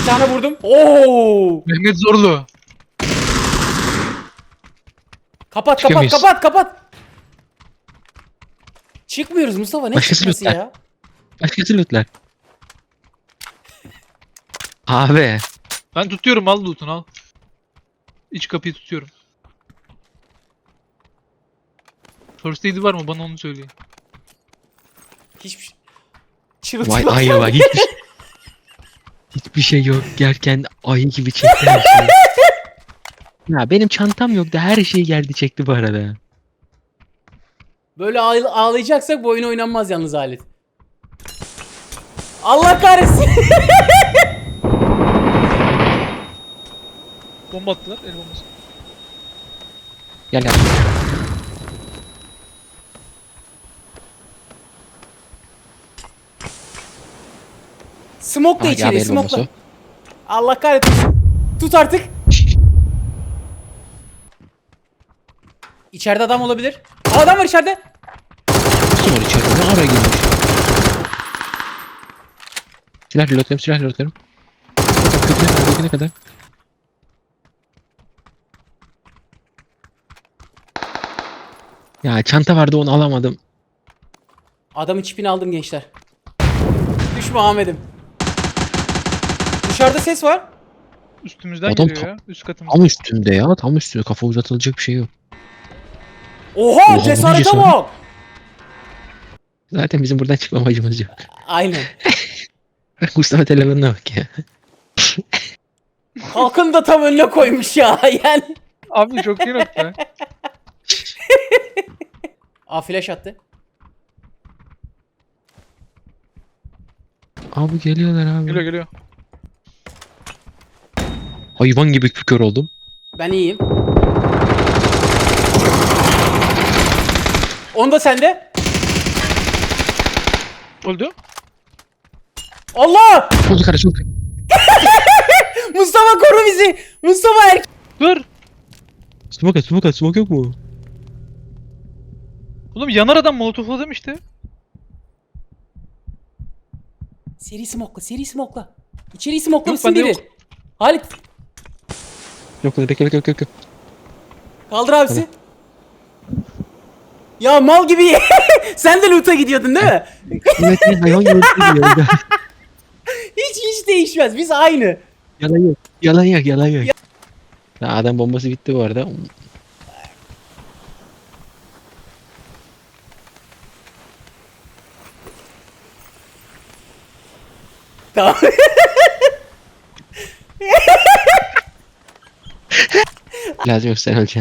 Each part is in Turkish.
tane vurdum. Oo! Mehmet Zorlu. Kapat Çıkıyor kapat muyuz? kapat kapat. Çıkmıyoruz Mustafa, ne Başkası çıkması lütfen. ya? Başkası lootlar. Abi. Ben tutuyorum, al loot'unu al. İç kapıyı tutuyorum. First aid'i var mı? Bana onu söyleyin. Hiçbir şey. Vay Çırılçıplak. ayı var. Hiçbir şey yok. Gerken ayı gibi çekti her şeyi. Ya benim çantam yoktu. Her şey geldi çekti bu arada. Böyle ağlayacaksak bu oyun oynanmaz yalnız alet. Allah kahretsin. Bomba attılar, el bombası. Gel gel. Smoke da Aha, içeri, geldi el smoke da. bombası. Allah kahretsin. Tut artık. İçeride adam olabilir. Aa, adam var içeride. Kim var içeride? Ne ara girmiş? Silah reloadluyorum, silah reloadluyorum. Köküne kadar. Ya çanta vardı onu alamadım. Adamın çipini aldım gençler. Düşme Ahmet'im. Dışarıda ses var. Üstümüzden Adam geliyor ya. Üst katımızda. Tam üstümde ya, tam üstünde. Kafa uzatılacak bir şey yok. Oha, Oha, bu cesarete cesaret. bak. Zaten bizim buradan çıkma amacımız yok. Aynen. Mustafa telefonuna bak ya. Halkın da tam önüne koymuş ya yani. Abi çok iyi nokta. Aa, flash attı. Abi geliyorlar abi. Geliyor geliyor. Hayvan gibi kör oldum. Ben iyiyim. Onu da sende. Öldü. Allah! Çok yukarı çok. Mustafa koru bizi. Mustafa Dur. Smoke at, smoke at, smoke yok mu? Oğlum yanar adam molotofladım işte. Seri smoke'la, seri smoke'la. İçeri smoke'la Yok, mısın bende biri? Halit, Yok bekle bekle. kaldır abisi. Ya mal gibi. Sen de loot'a gidiyordun değil mi? Evet hayvan gibi geliyor. Hiç değişmez. Biz aynı. Yalan yok. Yalan yok, yalan yok. Ya adam bombası bitti bu arada. Tamam. Lazım yok, sen öleceksin.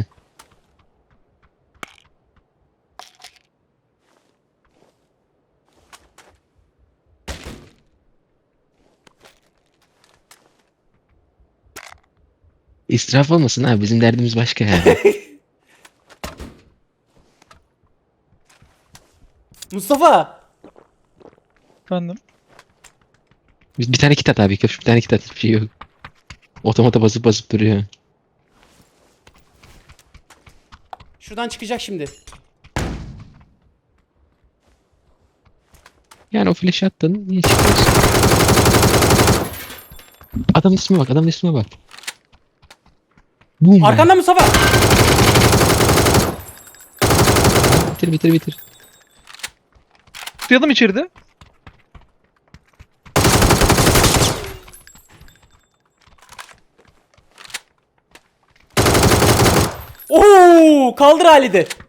İsraf olmasın abi, bizim derdimiz başka yani. Mustafa. Efendim. Bir tane kit at abi, bir tane kit at, hiçbir şey yok. Otomata basıp duruyor. Şuradan çıkacak şimdi. Yani o flash attın, niye çıkıyorsun? Adamın ismine bak, adamın ismine bak. Boom. Arkanda Mustafa. Bitir. Tutuyalım içeride. Oo, kaldır Halid'i.